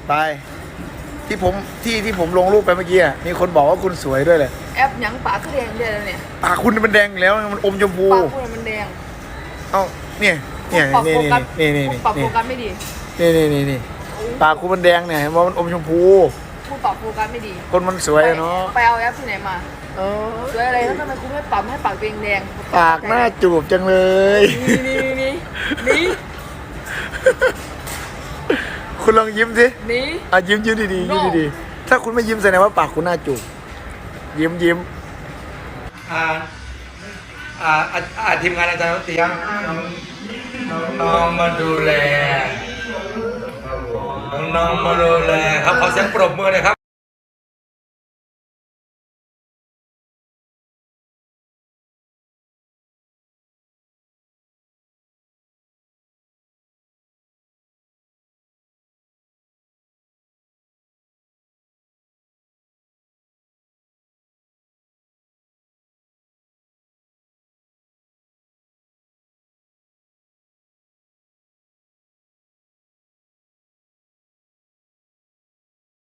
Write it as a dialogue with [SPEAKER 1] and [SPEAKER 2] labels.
[SPEAKER 1] ไปที่ผมลงรูปไปเมื่อกี้มีคนบอกว่าคุณสวยด้วยเลย
[SPEAKER 2] แอปหยังปากก็แดงได้แล้วเนี่ย
[SPEAKER 1] ปากคุณมันแดงอยู่แล้วมันอมชมพู
[SPEAKER 2] ปากคุณมันแดง
[SPEAKER 1] เอ้าเนี่ยนี่
[SPEAKER 2] ปากโฟกัส
[SPEAKER 1] นี่
[SPEAKER 2] ปากโฟกัสไม่ดี
[SPEAKER 1] นี่ปากคุณมันแดงเนี่ยเห็นว่ามันอมชมพู
[SPEAKER 2] พูดปากโฟกัสไม่ดี
[SPEAKER 1] คนมันสวยอะเนาะ
[SPEAKER 2] ไปเอาแอปที่ไหนมาสวยอะไรแล้วทำไมคุณไม่ปรับให้ปากตัวเองแดง
[SPEAKER 1] ปากหน้าจูบจังเลย
[SPEAKER 2] นี่
[SPEAKER 1] คุณลองยิ้มสิ
[SPEAKER 2] นี่
[SPEAKER 1] ยิ้มดีๆยิ้มดีๆถ้าคุณไม่ยิ้มแสดงว่าปากคุณหน้าจูบยิ้มทีมงานอาจารย์เตียงน้องมาดูแลน้องมาดูแลครับขอเสียงปรบมือหน่อยครับ